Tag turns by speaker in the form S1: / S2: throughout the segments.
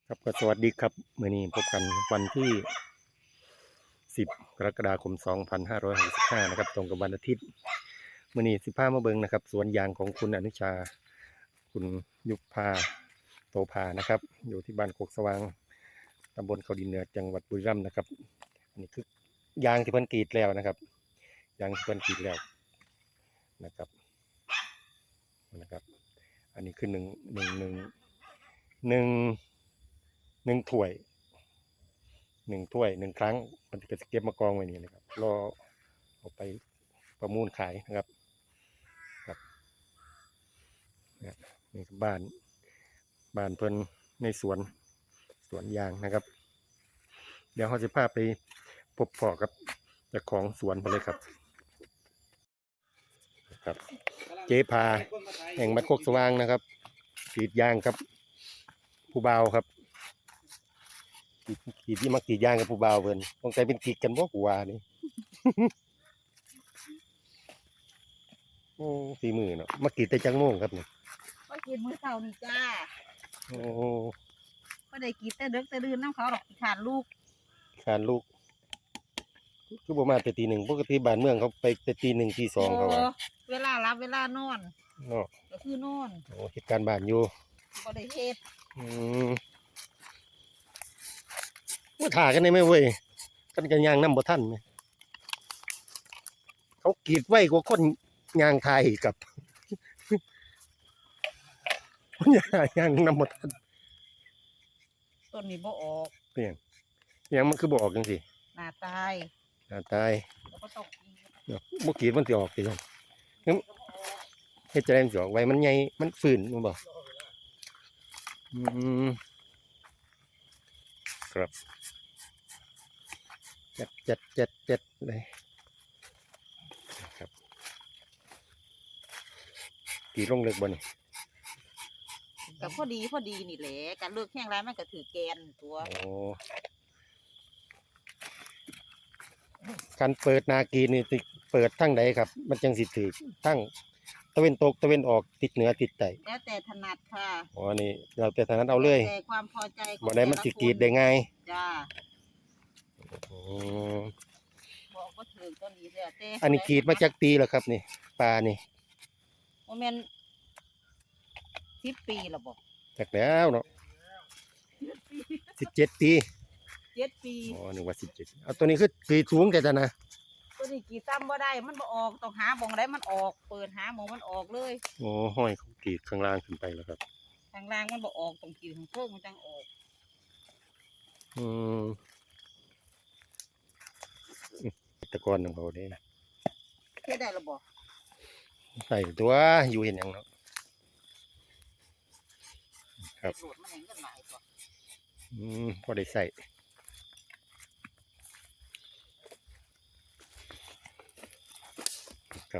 S1: ครับก็สวัสดีครับมื้อนี้พบกันวันที่10กรกฎาคม2565นะครับตรงกับวันอาทิตย์มื้อนี้สิพามาเบิ่งนะครับสวนยางของคุณอนุชาคุณยุพาโตภานะครับอยู่ที่บ้านโคกสว่างตำบลเขาดินเหนือจังหวัดบุรีรัมย์นะครับอันนี้คือยางที่เพิ่นกรีดแล้วนะครับยางที่เพิ่นกรีดแล้วนะครับอันนี้คือหนึ่งหนึ่งถ้วยหนึ่งครั้งมันจะเก็บมากองไว้นี่นะครับรอเอาไปประมูลขายนะครับครับนี่คือบ้านเพิ่นในสวนยางนะครับเดี๋ยวเขาจะพาไปพบพ่อกับเจ้าของสวนไปเลยครับเจ๊พาแห่งบ้านโคกสว่างนะครับกรีดยางครับผู้บ่าวครับกรีดที่มากรีดยางกับผู้บ่าวเพิ่นต้องใจเป็นกรีดกันบ่กูว่านี่ โอ้ฝีมือเนาะมากรีดแต่จังโมงครับนี่
S2: ก็กินมื้อเช้านี่จ้า
S1: โอ้
S2: ก็ได้กินแต่ดึกแต่ดื่นน้ำเขาดอกขาดลูก
S1: การลูกคือบ่มาแต่ตีหนึ่งปกติบ้านเมืองเขาไปแต่ตีหนึ่งตีสองเขาว่า
S2: เวลารับเวลานอน
S1: เนาะ
S2: ก็คือนอน
S1: โอ้เหตุการณ์บ้านอยู่
S2: ก็ได้เฮ็ด
S1: ว่าถ่ากันได้ไหมเว้ยกันยางน้ำบ่ทันไหมเขากรีดไว้กว่าคนยางไทยกับคนยางน้ำบ่ทัน
S2: ต้นนี้บ่ออก
S1: เปลี่ยนยังมันคือบ่ออกจังซี่
S2: หน้าตาย
S1: แล้ว
S2: ก็ต้องกิน
S1: เนาะบ่กรีดมันสิออกติครับเฮ็ดจะได้มันสิออกไว้มันใหญ่มันฟื้นมันบ่ครับจัดเลยครับตีลงเล็กบ่นี่
S2: ก็พอดีนี่แหละการเลือกแห้งไรมันก็ถือแกนตัว
S1: โอ้การเปิดนากีนี่ติเปิดทั้งใดครับมันจังสิถือทั้งตะเวนตกตะเวนออกติดเหนือติดใต้
S2: แล้วแต่ถนัดค่ะ
S1: อ๋อนี่เราแต่ถนัดเอาเลย
S2: แต่ความพอใจของ
S1: บ่ได้มันสิกรีดได้ง่าย
S2: จ้า
S1: อ๋อ
S2: บอกว่าถึงต้นนี้แล้วแต่
S1: อันนี้กรีดมาจากปีแล้วครับนี่ปลานี่
S2: บ่แม่น10 ปีแล้วบ่
S1: จากแล้วเนาะ17 ปี
S2: 7 ปี
S1: อ๋อนึกว่า17เอาตัวนี้คือกรีดสูงแต่ตะนะ
S2: ตัวนี้กี่ตั้มบ่ได้มันบ่ออกต้องหาบ่งได้มันออกเปิดหาหมองมันออกเลย
S1: โอ้ห้อยเขากรีดข้างล่างขึ้นไปแล้วครับ
S2: ข้างล่างมันบ่ออกต้องกรีดข้างเพิ่งมันจังออก
S1: ตะกอนของเขาเด้
S2: เฮ็ดได้หรือบ่
S1: ใส่ตัวอยู่เห็นหยังเนาะครับ
S2: มันเห็นกันหลายตัว
S1: พอได้ใส่ครับ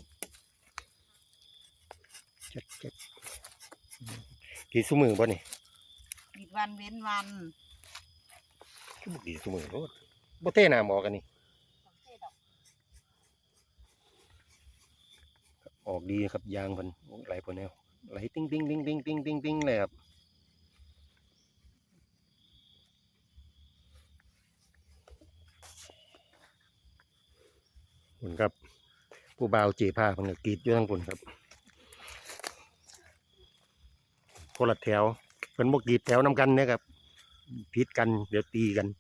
S1: จัดกี่ซุมือบ่นี่
S2: ปิดวันเว้นวัน
S1: คือบ่กี่ซุมือโลดบ่เท่น้ำออกกันนี่ออกดีครับยางเพิ่นไหลพอแนวไหลติ้งเลยครับคุณครับผู้บ่าวจีผ้าเพิ่นก็กรีดอยู่ทั้งคนครับคนละแถวเพิ่นบ่กรีดแถวนำกันเนี่ยครับผิดกันเดี๋ยวตีกัน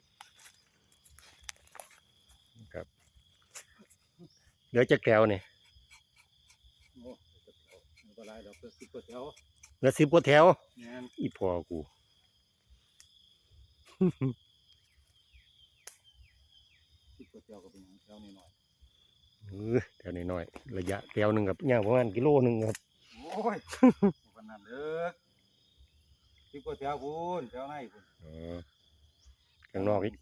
S1: ครับเดี๋ยวจะแถวนี่เหลือ10 กว่าแถวอีพ่อกู10 กว่าแถวก็เป็นแถวน้อยแถวน้อยระยะแถวหนึ่งครับยาวประมาณกิโลหนึ่งครับ
S3: โอ้ยขนาดเลิก10 กว่าแถวพูนแถวไหนพูน
S1: ข้างนอกอีก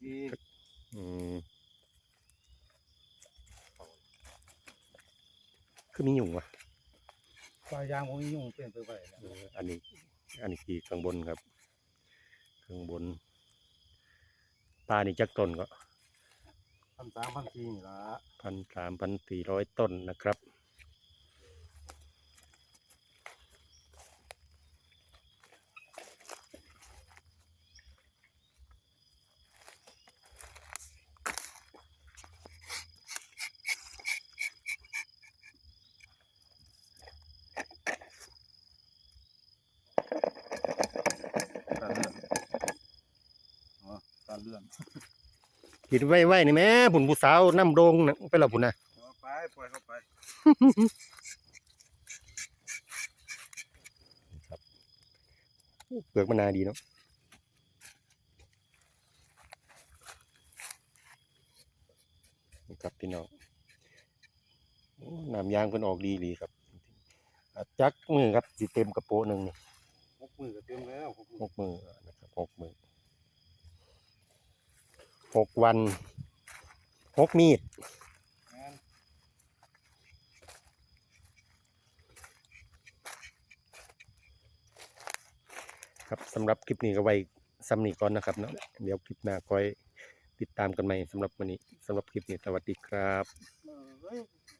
S1: คือมียุ่งวะ
S3: ปลายางผมมียุ่งเปลี่ยนไป
S1: อันนี้คือข้างบนครับข้างบนปลานี่จักต้นก็
S3: 1,300 1,400นี่ละ
S1: 1,300 ต้นนะครับ
S3: ซั่น
S1: กินไว้ๆนี่แม่ผุนผู้สาวน้ำโดงน่ะไปและพุ่นน่ะ
S3: เอาไปปล่อยเข้าไป
S1: เปลือกมะนาวดีเนาะนี่ครับพี่น้องโอ้น้ำยางเพิ่นออกดีหลีครับจักมือครับสิเต็มกระโปะหนึงนี่
S3: 6 มื้อก็เต็มแล้ว6
S1: 6 มือนะครับ6 มือ6 วัน6 มีด
S3: แม่น
S1: ครับสำหรับคลิปนี้ก็ไว้ซ้ำนี้ก่อนนะครับเนาะเดี๋ยวคลิปหน้าค่อยติดตามกันใหม่สำหรับวันนี้สำหรับคลิปนี้สวัสดีครับ
S3: เอ้ย